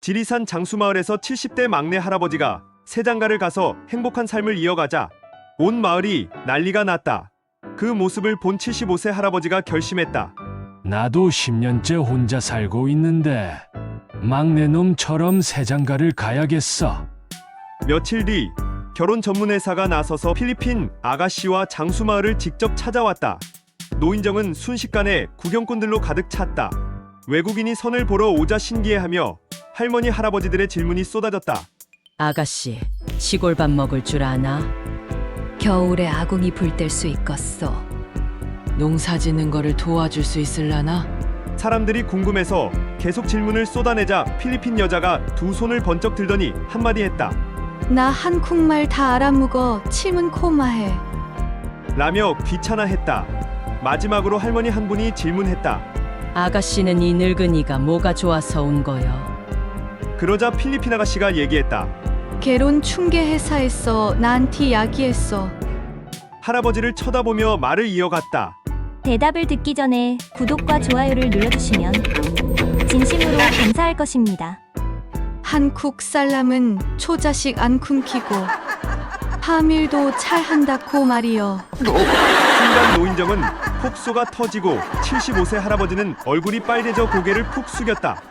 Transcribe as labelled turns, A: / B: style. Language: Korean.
A: 지리산 장수마을에서 70대 막내 할아버지가 새장가를 가서 행복한 삶을 이어가자 온 마을이 난리가 났다. 그 모습을 본 75세 할아버지가 결심했다.
B: 나도 10년째 혼자 살고 있는데 막내놈처럼 새장가를 가야겠어.
A: 며칠 뒤 결혼 전문회사가 나서서 필리핀 아가씨와 장수마을을 직접 찾아왔다. 노인정은 순식간에 구경꾼들로 가득 찼다. 외국인이 선을 보러 오자 신기해하며 할머니 할아버지들의 질문이 쏟아졌다.
C: 아가씨, 시골밥 먹을 줄 아나?
D: 겨울에 아궁이 불 뗄 수 있겠어. 농사 짓는 거를 도와줄 수 있을라나?
A: 사람들이 궁금해서 계속 질문을 쏟아내자 필리핀 여자가 두 손을 번쩍 들더니 한마디 했다.
E: 나 한국말 다 알아먹어. 침은 코마해.
A: 라며 귀찮아했다. 마지막으로 할머니 한 분이 질문했다.
C: 아가씨는 이 늙은이가 뭐가 좋아서 온 거요?
A: 그러자 필리핀 아가씨가 얘기했다.
E: 결혼 중개회사에서 나한테 이야기했어.
A: 할아버지를 쳐다보며 말을 이어갔다.
F: 대답을 듣기 전에 구독과 좋아요를 눌러주시면 진심으로 감사할 것입니다.
E: 한국 사람은 초자식 안 굶기고 파밀도 잘 한다고 말이여.
A: 순간 노인정은 폭소가 터지고 75세 할아버지는 얼굴이 빨개져 고개를 푹 숙였다.